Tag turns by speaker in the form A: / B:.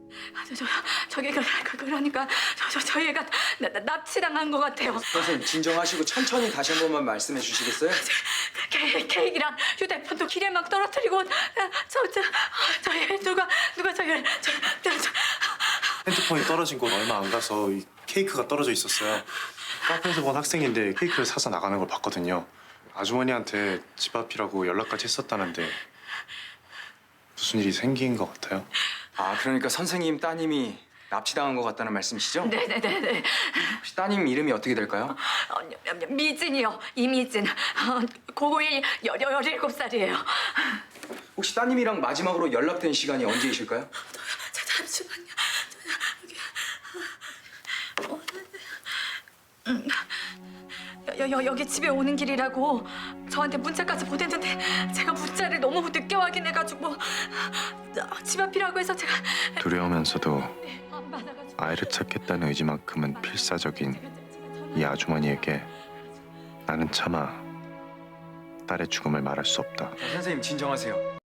A: 그러니까 저 얘가 납치당한 것 같아요.
B: 선생님 진정하시고 천천히 다시 한 번만 말씀해 주시겠어요?
A: 케이크랑 휴대폰도 길에 막 떨어뜨리고 저얘 누가 저얘
C: 핸드폰이 떨어진 곳 얼마 안 가서 이 케이크가 떨어져 있었어요. 카페에서 본 학생인데 케이크를 사서 나가는 걸 봤거든요. 아주머니한테 집 앞이라고 연락까지 했었다는데 무슨 일이 생긴 것 같아요?
B: 아, 그러니까 선생님 따님이 납치당한 것 같다는 말씀이시죠?
A: 네네네네.
B: 혹시 따님 이름이 어떻게 될까요?
A: 미진이요. 이미진. 고1 17살이에요.
B: 혹시 따님이랑 마지막으로 연락된 시간이 언제이실까요?
A: 잠시만요. 여기 집에 오는 길이라고 저한테 문자까지 보냈는데 제가 문자를 너무 늦게 확인해가지고 집 앞이라고 해서 제가
C: 두려우면서도
A: 안 받아가지고
C: 아이를 찾겠다는 의지만큼은 필사적인 이 아주머니에게 나는 차마 딸의 죽음을 말할 수 없다.
B: 선생님 진정하세요.